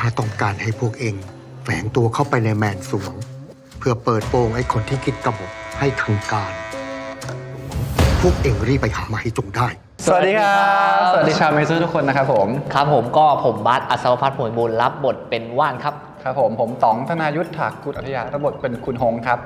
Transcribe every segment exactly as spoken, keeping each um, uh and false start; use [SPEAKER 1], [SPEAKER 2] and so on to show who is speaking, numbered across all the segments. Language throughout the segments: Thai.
[SPEAKER 1] าต้องการให้พวกเองแฝงตัวเข้าไปในแมนสวงเพื่อเปิดโปงไอ้คนที่คิดกบฏให้ทางการ พวกเองรีบไปหามาให้จงได้
[SPEAKER 2] สวัสดีครับสวัสดีชาวเมซูทุกคนนะครับผม
[SPEAKER 3] ครับผมก็ผมบัสอัศวพัฒน์ผลบุญรับบทเป็นว่านครับ
[SPEAKER 2] ครับผมผมต๋องธนายุทธถากุลอัธยารับบทเป็นคุณหงครับ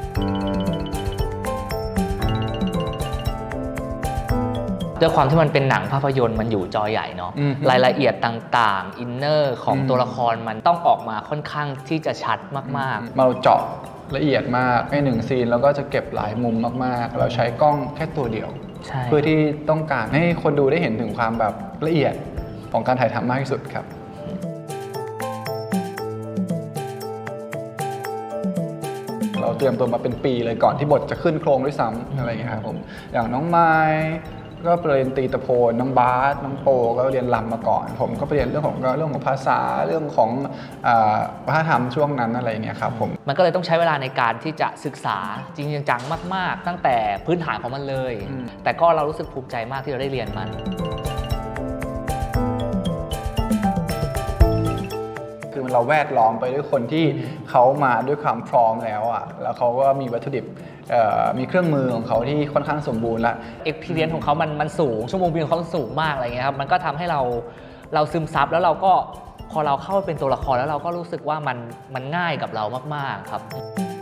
[SPEAKER 3] ด้วยความที่มันเป็นหนังภาพยนตร์มันอยู่จอใหญ่เนาะรายละเอียดต่างๆอินเนอร์ของตัวละครมันต้องออกมาค่อนข้างที่จะชัดมาก
[SPEAKER 2] ๆเราเจาะละเอียดมากในหนึ่งซีนแล้วก็จะเก็บหลายมุมมากๆเราใช้กล้องแค่ตัวเดียวเพื่อที่ต้องการให้คนดูได้เห็นถึงความแบบละเอียดของการถ่ายทำมากที่สุดครับเราเตรียมตัวมาเป็นปีเลยก่อนที่บทจะขึ้นโครงด้วยซ้ำอะไรอย่างเงี้ยครับผมอย่างน้องไม้ก็ไปเรียนตีตะโพนน้องบาสน้องโปก็เรียนรำมาก่อนผมก็ไปเรียนเรื่องของเรื่องของภาษาเรื่องของวัฒนธรรมช่วงนั้นอะไรอย่างเงี้ยครับผม
[SPEAKER 3] มันก็เลยต้องใช้เวลาในการที่จะศึกษาจริงจังมากๆตั้งแต่พื้นฐานของมันเลยแต่ก็เรารู้สึกภูมิใจมากที่เราได้เรียนมัน
[SPEAKER 2] คือเราแวดล้อมไปด้วยคนที่เขามาด้วยความพร้อมแล้วอ่ะแล้วเขาก็มีวัตถุดิบมีเครื่องมือของเขาที่ค่อนข้างสมบูรณ์แล้ว
[SPEAKER 3] experience ของเขามันมันสูงชั่วโมงบินของเขาสูงมากอะไรเงี้ยครับมันก็ทำให้เราเราซึมซับแล้วเราก็พอเราเข้าไปเป็นตัวละครแล้วเราก็รู้สึกว่ามันมันง่ายกับเรามากๆครับ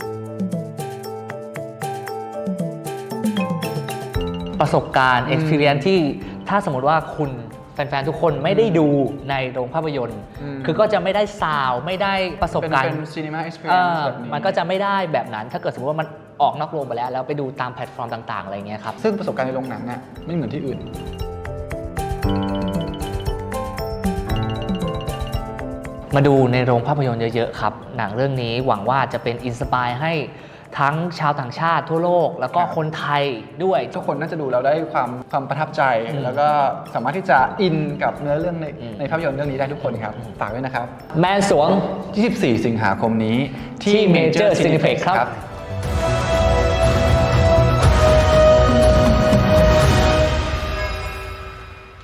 [SPEAKER 3] ประสบการณ์ experience ที่ถ้าสมมติว่าคุณแฟนๆทุกคนไม่ได้ดูในโรงภาพยนตร์คือก็จะไม่ได้ซาวไม่ได้ประสบการณ์
[SPEAKER 2] เป็นซีนีมาเอ็กซ์เพรียนซ์แบบนี้
[SPEAKER 3] มันก็จะไม่ได้แบบนั้นถ้าเกิดสมมติว่ามันออกนอกโรงไปแล้วแล้วไปดูตามแพลตฟอร์มต่างๆอะไรเงี้ยครับ
[SPEAKER 2] ซึ่งประสบการณ์ในโรงหนังเนี่ยไม่เหมือนที่อื่น
[SPEAKER 3] มาดูในโรงภาพยนตร์เยอะๆครับหนังเรื่องนี้หวังว่าจะเป็นอินสปายให้ทั้งชาวต่างชาติทั่วโลกแล้วก็คนไทยด้วย
[SPEAKER 2] ทุกคนน่าจะดูแล้วได้ความความประทับใจแล้วก็สามารถที่จะอินกับเนื้อเรื่องในในภาพยนตร์เรื่องนี้ได้ทุกคนครับฝากด้วยนะครับ
[SPEAKER 3] แมนสวง
[SPEAKER 2] ยี่สิบสี่สิงหาคมนี้
[SPEAKER 3] ที่ Major Cineplex ครับ